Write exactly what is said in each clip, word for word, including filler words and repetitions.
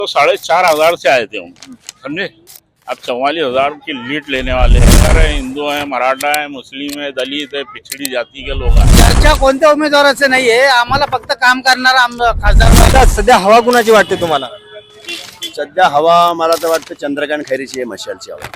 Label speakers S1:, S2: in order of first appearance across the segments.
S1: तो साढ़े चार हजार से आए थे हम, समझे। अब चौवालीस हजार की लीड लेने वाले हैं। अरे हिंदू है, मराठा है, मुस्लिम है, दलित है, पिछड़ी जाती के लोग हैं।
S2: चर्चा कोणत्या उमेदवाराचे नाहीये, आम्हाला फक्त काम करणारा आमदार खासदार.
S3: आता सध्या हवा कुणाची वाटते तुम्हाला?
S4: सध्या हवा मला तर वाटतं चंद्रकांत खैरीची आहे, मशालची हवा.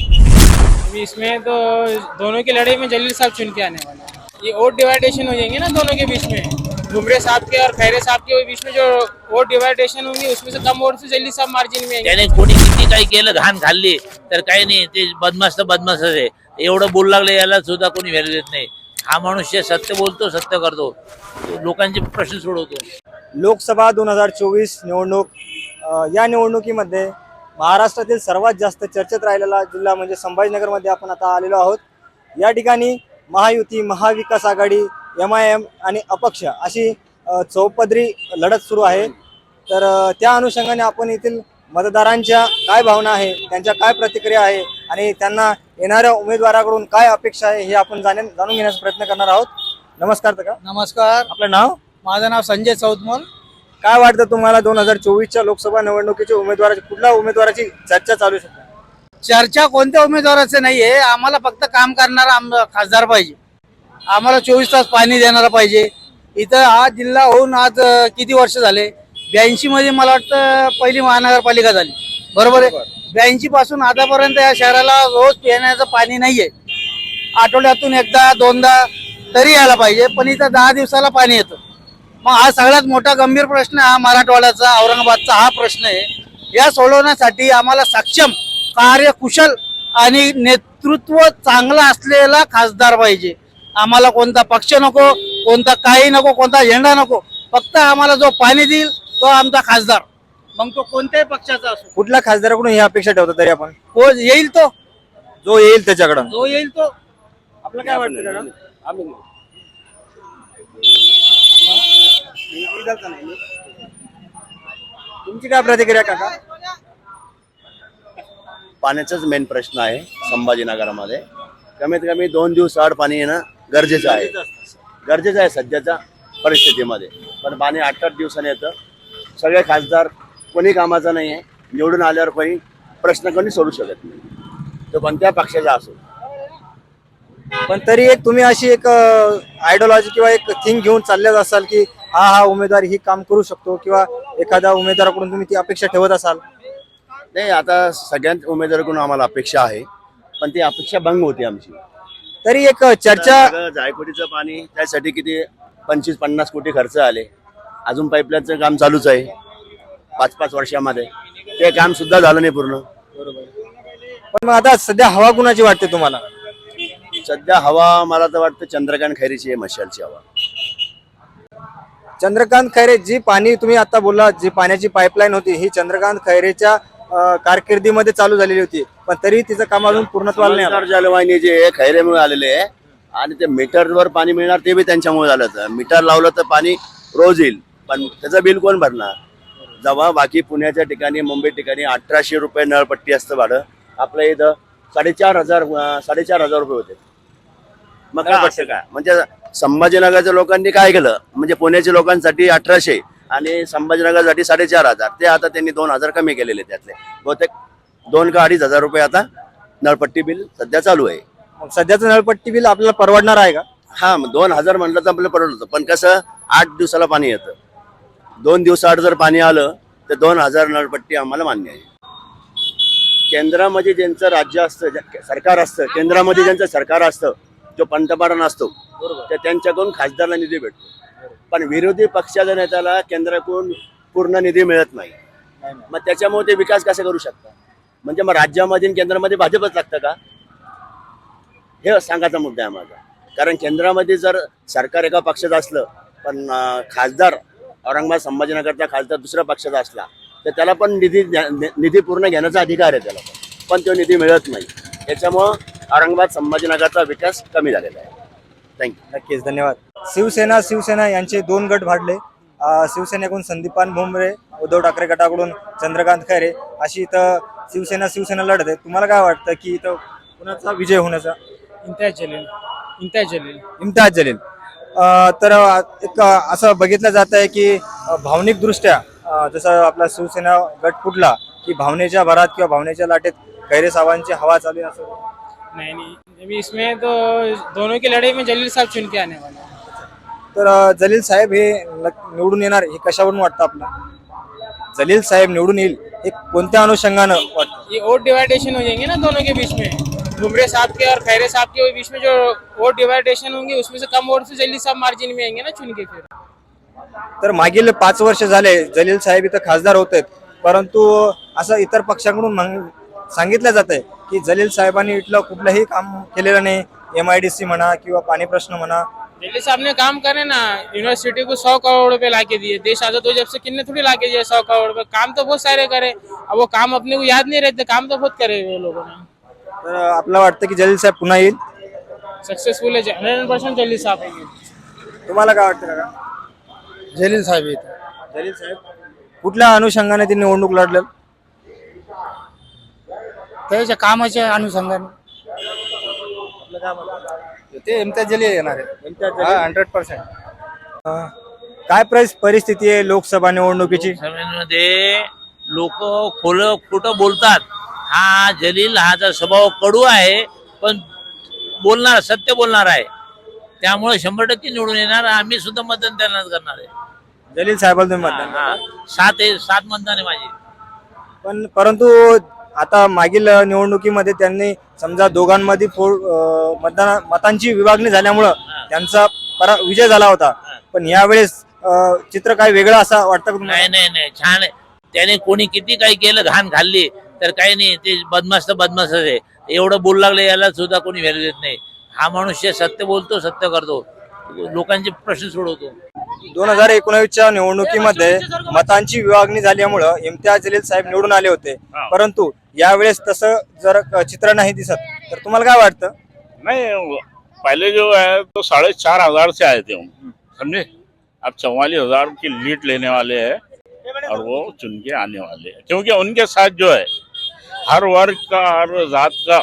S5: अभी इसमें तो दोनों की लड़ाई में जलील साहब चुन के आने वाले हैं. ये वोट डिवाइडेशन हो जाएंगे ना दोनों के बीच में, घुमरे साहब के और खैरे साहब के बीच में जो वोट डिवाइडेशन होंगे उसमें से कम वोट से जलील साहब मार्जिन में आएंगे.
S6: त्याने कोणी किती काही केलं, घाण खाल्ली तर काही नाही, ते बदमाश तर बदमाशच आहे. एवढं बोलू लागले याला सुद्धा कोणी व्हॅल्यू देत नाही. हा मनुष्य सत्य बोलतो, सत्य करतो, लोकांचे प्रश्न सोडवतो.
S3: लोकसभा दोन हजार चोवीस निवडणूक, अ, या निवडणुकीमध्ये महाराष्ट्रातील सर्वात जास्त चर्चेत राहिलेला जिल्हा म्हणजे संभाजीनगरमध्ये आपण आता आलेलो आहोत. या ठिकाणी Mahayuti, Mahavikas Aghadi, M I M आणि अपक्ष अशी अ, चौपदरी लढत सुरू आहे. तर अ, त्या अनुषंगाने आपण येथील मतदारांच्या काय भावना आहे, त्यांच्या काय प्रतिक्रिया आहे आणि त्यांना येणाऱ्या उमेदवाराकडून काय अपेक्षा आहे हे आपण जाणून जाणून घेण्याचा प्रयत्न करणार आहोत. नमस्कार का?
S2: नमस्कार,
S3: आपलं नाव?
S2: माझं नाव संजय चौतमोल.
S3: काय वाटतं तुम्हाला दोन हजार चोवीसच्या लोकसभा निवडणुकीच्या उमेदवाराची कुठल्या उमेदवाराची चर्चा चालू शकते?
S2: चर्चा कोणत्या उमेदवाराचे नाहीये, आम्हाला फक्त काम करणारा आमदार खासदार पाहिजे. आम्हाला चोवीस तास पाणी देणारा पाहिजे. इथं हा जिल्हा होऊन आज अं, किती वर्ष झाले? ब्याऐंशी मध्ये मला वाटतं पहिली महानगरपालिका झाली, बरोबर आहे. ब्याऐंशी पासून आतापर्यंत या शहराला रोज पिण्याचं पाणी नाहीये. आठवड्यातून एकदा दोनदा तरी यायला पाहिजे, पण इथं दहा दिवसाला पाणी येतं. मग हा सगळ्यात मोठा गंभीर प्रश्न हा मराठवाड्याचा, औरंगाबादचा हा प्रश्न आहे. या सोडवण्यासाठी आम्हाला सक्षम, कार्यकुशल आणि नेतृत्व चांगला असलेला खासदार पाहिजे. आम्हाला कोणता पक्ष नको, कोणता काही नको, कोणता झेंडा नको. फक्त आम्हाला जो पाणी देईल तो आमचा खासदार, मग तो कोणत्याही पक्षाचा असो.
S3: कुठल्या खासदाराकडून ही अपेक्षा ठेवतो तरी आपण?
S2: हो, येईल तो,
S3: जो येईल त्याच्याकडं.
S2: जो येईल तो.
S3: आपलं काय वाटतं का? तुमची काय प्रतिक्रिया काका?
S4: पाण्याचाच मेन प्रश्न आहे संभाजीनगरमध्ये. कमीत कमी दोन दिवस आड पाणी येणं गरजेचं आहे, गरजेचं आहे सध्याच्या परिस्थितीमध्ये. पण पाणी आठ आठ दिवसांनी येतं. सगळे खासदार कोणी कामाचा नाही आहे. निवडून आल्यावर कोणी प्रश्न कोणी सोडू शकत नाही, तो कोणत्या पक्षाचा असो.
S3: पण तरी एक तुम्ही अशी एक आयडियोलॉजी किंवा एक थिंग घेऊन चाललेच असाल की हा हा उमेदवार ही काम करू शकतो किंवा एखाद्या उमेदवाराकडून तुम्ही ती अपेक्षा ठेवत असाल?
S4: नाही, आता सगळ्याच उमेदवाराकडून आम्हाला अपेक्षा आहे, पण ती अपेक्षा भंग होती आमची.
S3: तरी एक चर्चा,
S4: सगळं जायकवाडीचं पाणी त्यासाठी किती पंचवीस पन्नास कोटी खर्च आले. अजून पाईपलाईनचं काम चालूच आहे पाच पाच वर्षामध्ये, ते काम सुद्धा झालं नाही पूर्ण.
S3: पण मग आता सध्या हवा कुणाची वाटते तुम्हाला?
S4: सध्या हवा मला तर वाटतं चंद्रकांत खैरीची आहे, मशालची हवा.
S3: चंद्रकांत खैरे, जी पाणी तुम्ही आता बोलला, जी पाण्याची पाईपलाईन होती ही चंद्रकांत खैरेच्या अ, कारकिर्दीमध्ये चालू झालेली होती, पण तरी तिचं काम अजून पूर्णत्वाला नाही आलं.
S4: जलवाहिनी जे खैरेमुळे आलेले आहे आणि ते मीटरवर पाणी मिळणार ते बी त्यांच्यामुळे झालं. तर मीटर लावलं तर पाणी रोज येईल, पण त्याचं बिल कोण भरणार? जेव्हा बाकी पुण्याच्या ठिकाणी, मुंबई ठिकाणी अठराशे रुपये नळपट्टी असतं भाडं, आपल्या इथं साडेचार हजार साडेचार हजार रुपये होते. मग काय वाटतं काय? म्हणजे संभाजीनगरच्या लोकांनी काय केलं, म्हणजे पुण्याच्या लोकांसाठी अठराशे आणि संभाजीनगरसाठी साडेचार हजार, ते आता त्यांनी दोन हजार कमी केलेले. त्यातले बहुतेक दोन का अडीच हजार रुपये आता नळपट्टी बिल सध्या चालू आहे.
S3: मग सध्याचं नळपट्टी बिल आपल्याला परवडणार आहे का?
S4: हा, मग दोन हजार म्हणलं तर आपल्याला परवडत होतं, पण कसं आठ दिवसाला पाणी येतं. दोन दिवसाआड जर पाणी आलं तर दोन हजार नळपट्टी आम्हाला मान्य आहे. केंद्रामध्ये ज्यांचं राज्य असतं, सरकार असतं, केंद्रामध्ये ज्यांचं सरकार असतं, जो पंतप्रधान असतो, तर त्यांच्याकडून खासदारला निधी भेटतो. पण विरोधी पक्षाच्या नेत्याला केंद्राकडून पूर्ण निधी मिळत नाही. मग त्याच्यामुळे ते विकास कसा करू शकतात? म्हणजे मग राज्यामध्ये आणि केंद्रामध्ये भाजपच लागतं का? हे सांगायचा मुद्दा आहे माझा. कारण केंद्रामध्ये जर सरकार एका पक्षाचं असलं, पण खासदार औरंगाबाद संभाजीनगरचा खासदार दुसऱ्या पक्षाचा असला, तर त्याला पण निधी निधी पूर्ण घेण्याचा अधिकार आहे त्याला, पण तो निधी मिळत नाही. त्याच्यामुळं औरंगाबाद संभाजीनगरचा विकास कमी झालेला आहे. थँक्यू.
S3: नक्कीच, धन्यवाद. शिवसेना शिवसेना यांचे दोन गट भाडले. अ, शिवसेनेकडून संदीपान भुमरे, उद्धव ठाकरे गटाकडून चंद्रकांत खैरे अशी इथं शिवसेना शिवसेना लढत आहे. तुम्हाला काय वाटतं की इथं कुणाचा विजय होण्याचा?
S5: इम्तियाज जलील, इम्तियाज जलील.
S3: इम्तियाज जलील. अ, तर एक असं बघितलं जात आहे की भावनिक दृष्ट्या अं, जसं आपला शिवसेना गट फुटला की भावनेच्या भरात किंवा भावनेच्या लाटेत खैरे साहेबांची हवा चालू आहे असं?
S5: नहीं नहीं अभी इसमें तो दोनों की लड़ाई में जलील साहब चुन के आने वाले हैं।
S3: तर अं, जलील साहेब हे नक- निवडून येणार हे कशावरून वाटतं आपलं? जलील साहेब निवडून येईल हे कोणत्या अनुषंगानं वाटतं?
S5: ये वोट डिवाइडेशन हो जाएंगे ना दोनों के बीच में, घुमरे साहब के और खैरे साहब के बीच में जो वोट डिवाइडेशन होंगे उसमें से कम वोट से जलील साहब मार्जिन में आएंगे ना चुन के। फिर
S3: तर मागील पाच वर्ष झाले जलील साहेब इथं खासदार होत आहेत, परंतु असं इतर पक्षांकडून म्हण- सांगितलं जात आहे की जलील साहेबांनी इथलं कुठलंही काम केलेलं नाही. एम आय डी सी म्हणा किंवा पाणी प्रश्न म्हणा.
S5: जलील साहब ने काम करे ना, यूनिवर्सिटी को सौ करोड़ रुपए ला के दिए, देश आजाद हो जब से किन्ने थोड़ी ला के दिए सौ करोड़ रुपए, काम तो बहुत सारे करे। अब वो काम अपने को याद नहीं रहते, काम तो बहुत करे वो लोगों ने।
S3: तर आपलं वाटतं की जलील साहेब पुन्हा येईल?
S5: सक्सेसफुल है हंड्रेड परसेंट जलील साहब आएंगे।
S3: तुम्हाला काय वाटतं का?
S2: जलील साहेब येतात.
S3: जलील साहेब कुठल्या अनुषंगाने ती निवडणूक लढलं?
S2: त्याच्या कामाच्या अनुषंगाने ते इम्तियाज जलील येणार आहे हंड्रेड पर्सेंट.
S3: अं, काय परिस- परिस्थिती आहे लोकसभा निवडणुकीची?
S6: सभेमध्ये लोक खोल खोटं बोलतात. हा जलील हाचा स्वभाव कडू आहे, पण बोलणार सत्य बोलणार आहे, त्यामुळे शंभर टक्के निवडून येणार. आम्ही सुद्धा मतदान त्यांनाच करणार आहे.
S3: जलील साहेबांना तुम्ही मतदान
S6: हा,
S3: करता?
S6: सात आहे सात मतदान आहे माझे.
S3: पण परंतु आता मागील निवडणुकीमध्ये त्यांनी समजा दोघांमध्ये फो- अं, मतदान मतांची विभागणी झाल्यामुळं त्यांचा परा विजय झाला होता. पण यावेळेस अं, चित्र काय वेगळं असं वाटतं का तुम्हाला?
S6: नाही नाही नाही छान आहे. त्याने कोणी किती काही केलं, घाण खाल्ली तर काही नाही, ते बदमाश तर बदमाशच आहे. एवढं बोलू लागले याला सुद्धा कोणी व्हॅल्यू देत नाही. हा मनुष्य सत्य बोलतो, सत्य करतो, लोकांचे प्रश्न सोडवतो.
S3: दोन हजार एकोणावीसच्या निवडणुकीमध्ये मतांची विभागणी झाल्यामुळं इम्तियाज जलील साहेब निवडून आले होते, परंतु यावेळेस तसं जर क- चित्र नाही दिसत, तर तुम्हाला काय वाटतं?
S1: नहीं, पहले जो है तो साढ़े चार हजार से आए थे हम, समझे। अब चौवालीस हजार की लीड लेने वाले हैं और वो चुन के आने वाले हैं, क्योंकि उनके साथ जो है हर वर्ग का, हर जात का,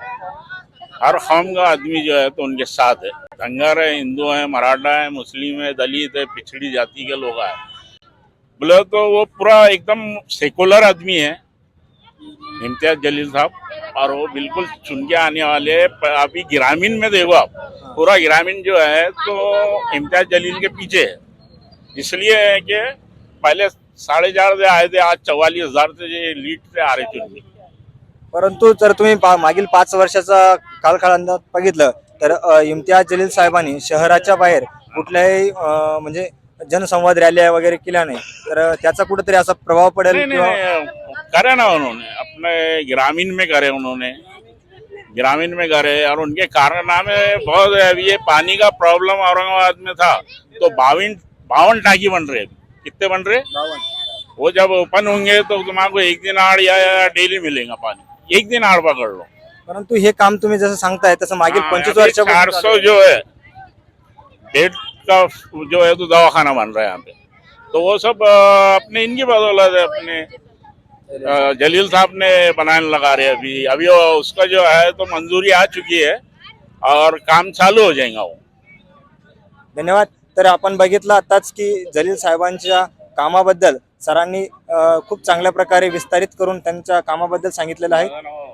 S1: हर कौम का आदमी जो है तो उनके साथ है। धंगर है, हिंदू है, मराठा है, मुस्लिम है, दलित है, पिछड़ी जाति के लोग हैं, बोले तो वो पूरा एकदम सेकुलर आदमी है इम्तियाज जलील साहब, और वो बिल्कुल चुन के आने वाले हैं। प- अभी ग्रामीण में देखो आप, पूरा ग्रामीण जो है तो इम्तियाज जलील के पीछे है, इसलिए है कि पहले साढ़े चार से आए थे, आज चौवालीस हजार से लीड से आ रहे चुन के।
S3: परंतु जर तुम्ही पा- मागील पाच वर्षाचा कालखंडात बघितलं तर अ, इम्तियाज जलील साहेबांनी शहराच्या बाहेर कुठल्याही अ, म्हणजे जनसंवाद रॅल्या वगैरे केल्या नाही, तर त्याचा कुठेतरी असा प्रभाव पडेल
S1: नहीं नहीं
S3: किंवा
S1: नहीं, करे ना उन्होंने, अपने ग्रामीण में करे उन्होंने, ग्रामीण में करे, और उनके कारनामे बहुत है। अभी ये पानी का प्रॉब्लम औरंगाबाद में था तो बावन बावन टाकी बन रहे, कितने बन रहे, वो जब ओपन होंगे तो तुम्हारा एक दिन आड़ या, या डेली मिलेगा पानी, एक दिन आड़ पकड़ लो।
S3: परंतु हे काम तुम्ही जसं सांगताय तसं मागील पंचवीस
S1: चार
S3: वर्षापासून
S1: सौ जो है बेड का जो है तो दवाखाना बन रहा है यहाँ पे, तो वो सब अ, अपने इनकी बदौलत है, अपने अ, जलील साहब ने बनाने लगा रहे हैं। अभी अभी वो उसका जो है तो मंजूरी आ चुकी है और काम चालू हो जाएगा वो।
S3: धन्यवाद. तर आपण बघितलं आताच की जलील साहेबांच्या कामाबद्दल सरांनी अ, खूप चांगल्या प्रकारे विस्तारित करून त्यांच्या कामाबद्दल सांगितलेलं आहे.